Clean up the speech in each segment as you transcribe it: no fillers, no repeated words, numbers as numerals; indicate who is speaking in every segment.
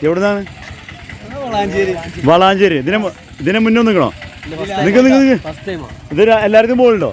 Speaker 1: എവിടുന്നാണ്? വളാഞ്ചേരി. ഇതിനെ മുന്നേ നിൽക്കണോ? ഇത് എല്ലാവർക്കും പോകുന്നുണ്ടോ?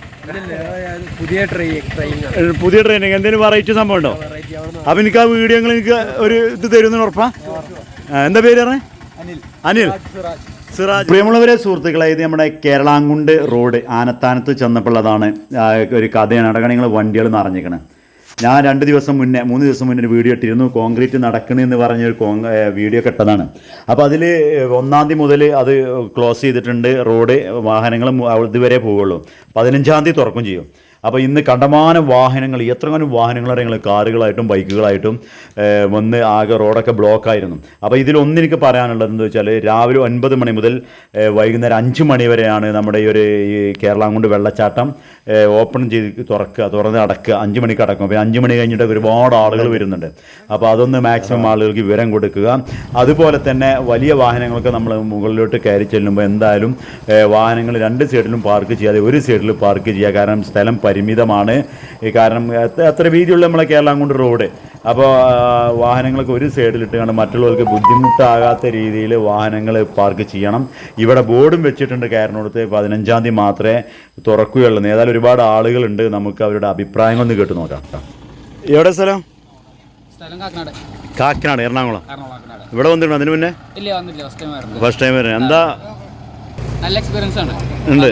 Speaker 1: പുതിയ ട്രെയിനിങ് എന്തെങ്കിലും വെറൈറ്റി സംഭവം ഉണ്ടോ? അപ്പൊ എനിക്ക് ആ വീഡിയോകൾ എനിക്ക് ഒരു ഇത് തരുമെന്ന് ഉറപ്പാ? എന്താ പേര് പറഞ്ഞേ? അനിൽ സിറാജ്. പ്രിയമുള്ളവരെ, സുഹൃത്തുക്കളെ, ഇത് നമ്മുടെ കേരളാങ്കുണ്ട് റോഡ് ആനത്താനത്ത് ചെന്നപ്പോഴതാണ് ഒരു കഥയാണ്. അടക്കം നിങ്ങൾ വണ്ടികൾ നിറഞ്ഞിരിക്കണം. ഞാൻ 3 ദിവസം മുന്നേ ഒരു വീഡിയോ ഇട്ടിരുന്നു. കോൺക്രീറ്റ് നടക്കണമെന്ന് പറഞ്ഞൊരു വീഡിയോ ഇട്ടതാണ്. അപ്പോൾ അതിൽ 1-ാം തീയതി മുതൽ അത് ക്ലോസ് ചെയ്തിട്ടുണ്ട്. റോഡ് വാഹനങ്ങൾ ഇതുവരെ പോവുള്ളൂ. 15-ാം തീയതി തുറക്കും ചെയ്യും. അപ്പോൾ ഇന്ന് കണ്ടമാനം വാഹനങ്ങൾ, എത്രങ്ങാനും വാഹനങ്ങളാണ് ഞങ്ങൾ കാറുകളായിട്ടും ബൈക്കുകളായിട്ടും വന്ന് ആകെ റോഡൊക്കെ ബ്ലോക്കായിരുന്നു. അപ്പോൾ ഇതിലൊന്നെനിക്ക് പറയാനുള്ളത് എന്താ വെച്ചാൽ, രാവിലെ 9 മണി മുതൽ വൈകുന്നേരം 5 മണി വരെയാണ് നമ്മുടെ ഈ കേരളാങ്കുണ്ട് വെള്ളച്ചാട്ടം ഓപ്പൺ ചെയ്ത് തുറന്ന് അടക്കുക. 5 മണിക്ക് അടക്കും. അപ്പോൾ 5 മണി കഴിഞ്ഞിട്ട് ഒരുപാട് ആളുകൾ വരുന്നുണ്ട്. അപ്പോൾ അതൊന്ന് മാക്സിമം ആളുകൾക്ക് വിവരം കൊടുക്കുക. അതുപോലെ തന്നെ വലിയ വാഹനങ്ങൾക്ക് നമ്മൾ മുകളിലോട്ട് കയറി ചെല്ലുമ്പോൾ എന്തായാലും വാഹനങ്ങൾ 2 സൈഡിലും പാർക്ക് ചെയ്യാതെ ഒരു സൈഡിൽ പാർക്ക് ചെയ്യുക. കാരണം സ്ഥലം പരിമിതമാണ്. കാരണം അത്ര വീതിയുള്ള നമ്മളെ കേരളാങ്കുണ്ട് റോഡ്. അപ്പോൾ വാഹനങ്ങൾക്ക് ഒരു സൈഡിലിട്ട് മറ്റുള്ളവർക്ക് ബുദ്ധിമുട്ടാകാത്ത രീതിയിൽ വാഹനങ്ങൾ പാർക്ക് ചെയ്യണം. ഇവിടെ ബോർഡും വെച്ചിട്ടുണ്ട് കയറിനോടത്ത് 15-ാം തീയതി മാത്രമേ തുറക്കുകയുള്ളൂ. ഏതായാലും ഒരുപാട് ആളുകളുണ്ട്. നമുക്ക് അവരുടെ അഭിപ്രായങ്ങളൊന്ന് കേട്ട് നോക്കാം. എവിടെ സ്ഥലം? കാക്കനാട്, എറണാകുളം. ഇവിടെ വന്നിട്ടുണ്ടോ അതിന് മുന്നേ? ഫസ്റ്റ് ടൈം വരുന്നത്. എന്താ
Speaker 2: നല്ല എക്സ്പീരിയൻസ് ആണ്.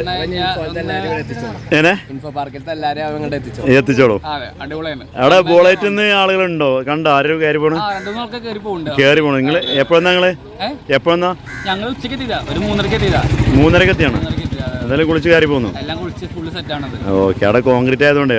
Speaker 1: എത്തിച്ചോളൂ. അവിടെ ബോളേറ്റിൽ ആളുകളുണ്ടോ? കണ്ടോ? ആരും കയറി പോണു? കയറി പോണു. നിങ്ങൾ എപ്പോഴെന്നാ? എപ്പോഴെന്നാ?
Speaker 2: ഞങ്ങൾ ഉച്ചക്ക് 3:30
Speaker 1: എത്തിയാണ്. എന്തായാലും കുളിച്ച് കയറി പോന്നു. ഓക്കെ. അവിടെ കോൺക്രീറ്റ് ആയതുകൊണ്ടേ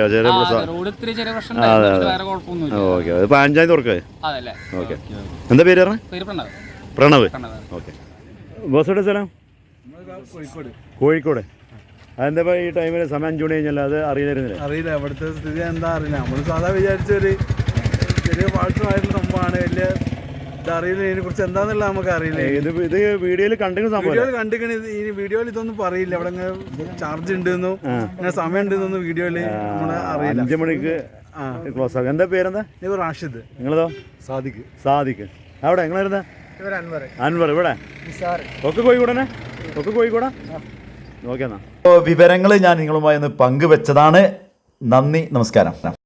Speaker 1: ഓക്കെ. അത് 15-ാം തീയതി തുറക്കേ. ഓക്കെ. എന്താ പേര് പറഞ്ഞ? പ്രണവ്. ഓക്കെ. ബോസോടെ സ്ഥലം? കോഴിക്കോട്. അതെന്താ ഈ ടൈമിൽ സമയം 5 മണി കഴിഞ്ഞാൽ അത് അറിയില്ല.
Speaker 3: ഇവിടുത്തെ സ്ഥിതി എന്താ അറിയില്ല. നമ്മൾ സാധാ വിചാരിച്ചൊരു ചെറിയ പാഴ്സമായിട്ടുള്ള സംഭവമാണ്. വലിയ ഇതറിയില്ല. ഇതിനെ കുറിച്ച് എന്താന്നുള്ള നമുക്ക് അറിയില്ല.
Speaker 1: ഇത് വീഡിയോയിൽ
Speaker 3: കണ്ടിക്കണ. ഈ വീഡിയോയിൽ ഇതൊന്നും പറയില്ല. അവിടെ ചാർജ് ഉണ്ടെന്നോ ഇങ്ങനെ സമയം ഉണ്ടെന്നൊന്നും വീഡിയോയിൽ നമ്മളെ അറിയില്ല.
Speaker 1: 5 മണിക്ക് ക്ലോസ് ആകും. എന്താ പേരെന്താ?
Speaker 3: റാഷിദ്.
Speaker 1: നിങ്ങളതോ? സാദിഖ്. അവിടെ നിങ്ങളായിരുന്നാ? അൻവർ. ഇവിടെ ഒക്കെ കോഴിക്കോടനെ? ഒക്കെ കോഴിക്കോടാ? ഓക്കെ. എന്നാ വിവരങ്ങൾ ഞാൻ നിങ്ങളുമായി ഒന്ന് പങ്കുവെച്ചതാണ്. നന്ദി, നമസ്കാരം.